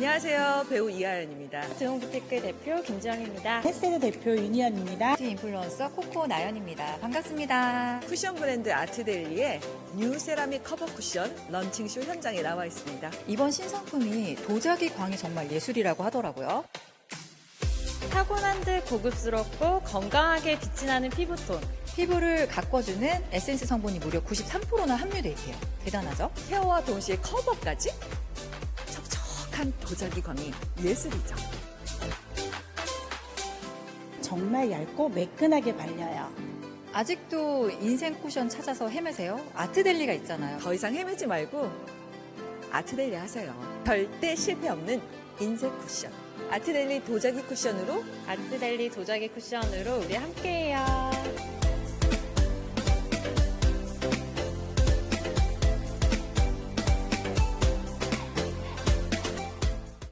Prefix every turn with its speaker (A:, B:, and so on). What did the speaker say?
A: 안녕하세요. 배우 이하연입니다.
B: 드용부티크 대표 김지영입니다.
C: 햇세드 대표 윤희연입니다.
D: 뷰티 인플루언서 코코 나연입니다. 반갑습니다.
A: 쿠션 브랜드 아트데일리의 뉴 세라믹 커버 쿠션 런칭쇼 현장에 나와 있습니다.
D: 이번 신상품이 도자기 광이 정말 예술이라고 하더라고요.
B: 타고난 듯 고급스럽고 건강하게 빛이 나는 피부톤.
D: 피부를 가꿔주는 에센스 성분이 무려 93%나 함유되어 있대요. 대단하죠?
A: 케어와 동시에 커버까지? 촉촉한 도자기 광이 예술이죠.
C: 정말 얇고 매끈하게 발려요.
D: 아직도 인생 쿠션 찾아서 헤매세요? 아트델리가 있잖아요.
A: 더 이상 헤매지 말고 아트데일리 하세요. 절대 실패 없는 인쇄 쿠션. 아트데일리 도자기 쿠션으로
B: 아트델리 도자기 쿠션으로 우리 함께해요.